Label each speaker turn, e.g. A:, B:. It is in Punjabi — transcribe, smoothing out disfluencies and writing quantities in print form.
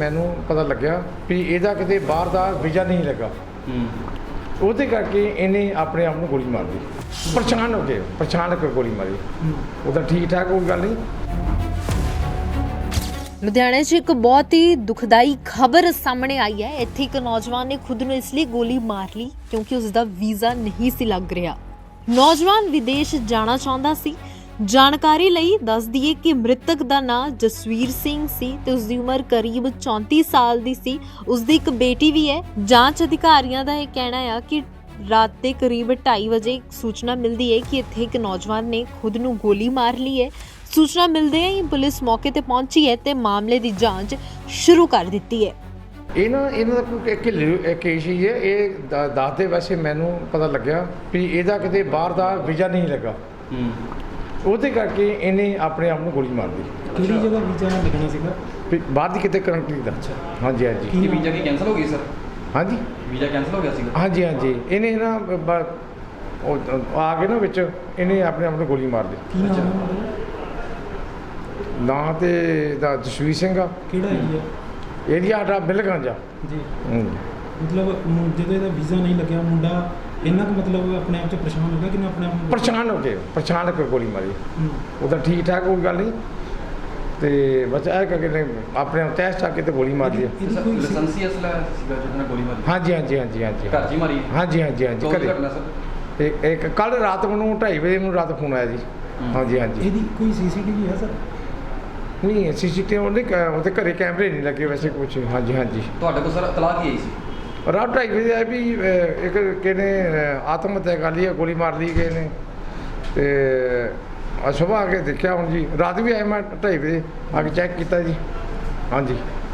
A: ਮੈਨੂੰ ਪਤਾ ਲੱਗਿਆ ਵੀ ਇਹਦਾ ਕਿਤੇ ਬਾਹਰ ਦਾ ਵੀਜ਼ਾ ਨਹੀਂ ਲੱਗਾ। ਉਹਦੇ ਕਰਕੇ ਇਹਨੇ ਆਪਣੇ ਆਪ ਨੂੰ ਗੋਲੀ ਮਾਰ ਲਈ। ਪਛਾਣ ਕੇ ਗੋਲੀ ਮਾਰੀ। ਉਹਦਾ ਠੀਕ ਠਾਕ ਕੋਈ ਗੱਲ ਨਹੀਂ।
B: ਲੁਧਿਆਣੇ 'ਚ ਇੱਕ ਬਹੁਤ ਹੀ ਦੁਖਦਾਈ ਖਬਰ ਸਾਹਮਣੇ ਆਈ ਹੈ। ਇੱਥੇ ਇੱਕ ਨੌਜਵਾਨ ਨੇ ਖੁਦ ਨੂੰ ਇਸ ਲਈ ਗੋਲੀ ਮਾਰ ਲਈ ਕਿਉਂਕਿ ਉਸ ਦਾ ਵੀਜ਼ਾ ਨਹੀਂ ਸੀ ਲੱਗ ਰਿਹਾ। ਨੌਜਵਾਨ ਵਿਦੇਸ਼ ਜਾਣਾ ਚਾਹੁੰਦਾ ਸੀ। ਜਾਣਕਾਰੀ ਲਈ ਦੱਸ ਦਈਏ ਕਿ ਮ੍ਰਿਤਕ ਦਾ ਨਾਂ ਜਸਵੀਰ ਸਿੰਘ ਸੀ ਤੇ ਉਸ ਦੀ ਉਮਰ ਕਰੀਬ 34 ਸਾਲ ਦੀ ਸੀ। ਉਸ ਦੀ ਇੱਕ ਬੇਟੀ ਵੀ ਹੈ। ਜਾਂਚ ਅਧਿਕਾਰੀਆਂ ਦਾ ਇਹ ਕਹਿਣਾ ਹੈ ਕਿ ਰਾਤ ਦੇ ਕਰੀਬ 2:30 ਵਜੇ ਸੂਚਨਾ ਮਿਲਦੀ ਹੈ ਕਿ ਇੱਥੇ ਇੱਕ ਨੌਜਵਾਨ ਨੇ ਖੁਦ ਨੂੰ ਗੋਲੀ ਮਾਰ ਲਈ ਹੈ। ਸੂਚਨਾ ਮਿਲਦੇ ਹੀ ਪੁਲਿਸ ਮੌਕੇ ਤੇ ਪਹੁੰਚੀ ਹੈ ਤੇ ਮਾਮਲੇ ਦੀ ਜਾਂਚ ਸ਼ੁਰੂ ਕਰ ਦਿੱਤੀ ਹੈ।
A: ਇਹਨਾਂ ਦਾ ਕੋਈ ਕੇਸ ਹੀ ਹੈ। ਇਹ ਦੱਸਦੇ ਵੈਸੇ ਮੈਨੂੰ ਪਤਾ ਲੱਗਿਆ ਵੀ ਇਹਦਾ ਕਿਤੇ ਬਾਹਰ ਦਾ ਵੀਜ਼ਾ ਨਹੀਂ ਲੱਗਾ। ਉਹਦੇ ਕਰਕੇ ਇਹਨੇ ਆਪਣੇ ਆਪ ਨੂੰ ਗੋਲੀ ਮਾਰ ਲਈ।
C: ਕਿਹੜੀ ਜਗ੍ਹਾ ਵੀਜ਼ਾ ਲੱਗਣਾ ਸੀਗਾ?
A: ਬਾਹਰ ਦੀ ਕਿਤੇ ਕੰਟਰੀ ਦਾ। ਹਾਂਜੀ
D: ਕੀ ਵੀਜ਼ਾ ਕੀ ਕੈਂਸਲ ਹੋ ਗਈ ਸਰ?
A: ਹਾਂਜੀ
D: ਵੀਜ਼ਾ ਕੈਂਸਲ ਹੋ ਗਿਆ ਸੀਗਾ।
A: ਹਾਂਜੀ ਇਹਨੇ ਨਾ ਉਹ ਆ ਕੇ ਨਾ ਵਿੱਚ ਇਹਨੇ ਆਪਣੇ ਆਪ ਨੂੰ ਗੋਲੀ ਮਾਰ ਲਈ।
C: ਕੀ ਨਾਮ ਹੈ?
A: ਨਾਂ ਤੇ ਦਾ ਜਸਵੀਰ ਸਿੰਘ ਆ।
C: ਕਿਹੜਾ
A: ਏਰੀਆ ਸਾਡਾ ਬਿਲਗੰਜ ਆ
C: ਜੀ।
A: ਮਤਲਬ
C: ਜਦੋਂ ਇਹਦਾ ਵੀਜ਼ਾ ਨਹੀਂ ਲੱਗਿਆ ਮੁੰਡਾ ਇੰਨਾ ਕੁ ਮਤਲਬ ਆਪਣੇ ਆਪ 'ਚ ਪਰੇਸ਼ਾਨ ਹੋ ਗਿਆ ਕਿ ਆਪਣੇ ਆਪ ਨੂੰ
A: ਪਛਾਣ ਕੇ ਗੋਲੀ ਮਾਰੀ। ਉਹਦਾ ਠੀਕ ਠਾਕ ਕੋਈ ਗੱਲ ਨਹੀਂ। ਤੇ ਬਸ ਇਹ ਕਰਕੇ ਆਪਣੇ ਆਪ ਤੈਸ ਚੱਕ ਕੇ ਤੇ ਗੋਲੀ ਮਾਰ ਲਈ।
D: ਲਾਇਸੈਂਸੀ ਅਸਲਾ ਸੀਗਾ ਜਿਹਨਾਂ ਗੋਲੀ ਮਾਰੀ?
A: ਹਾਂਜੀ
D: ਘਰ 'ਚ ਹੀ ਮਾਰੀ?
A: ਹਾਂਜੀ
D: ਘਰੇ ਘਟਨਾ ਸਰ?
A: ਤੇ ਇੱਕ ਕੱਲ ਰਾਤ ਮੈਨੂੰ 2:30 ਵਜੇ ਮੈਨੂੰ ਰਾਤ ਫੋਨ ਆਇਆ ਜੀ। ਹਾਂਜੀ
C: ਇਹਦੀ ਕੋਈ ਸੀਸੀਟੀਵੀ ਹੈ ਸਰ?
A: ਨਹੀਂ ਸੀਸੀਟੀਵੀ ਉਹਦੇ ਘਰੇ ਕੈਮਰੇ ਨਹੀਂ ਲੱਗੇ ਵੈਸੇ ਕੁਛ। ਹਾਂਜੀ
D: ਤੁਹਾਡੇ ਕੋਲ ਸਰ ਇਤਲਾਹ ਕੀ ਆਈ ਸੀ?
A: ਰਾਤ 2:30 ਵਜੇ ਆਇਆ ਵੀ ਇੱਕ ਕਿਹਨੇ ਆਤਮ ਹੱਤਿਆ ਕਰ ਲਈ, ਗੋਲੀ ਮਾਰ ਲਈ ਗਏ ਨੇ। ਤੇ ਸੁਬਾਹ ਆ ਕੇ ਦੇਖਿਆ ਹੁਣ ਜੀ। ਰਾਤ ਵੀ ਆਇਆ ਮੈਂ 2:30 ਵਜੇ ਆ ਕੇ ਚੈੱਕ ਕੀਤਾ ਜੀ। ਹਾਂਜੀ।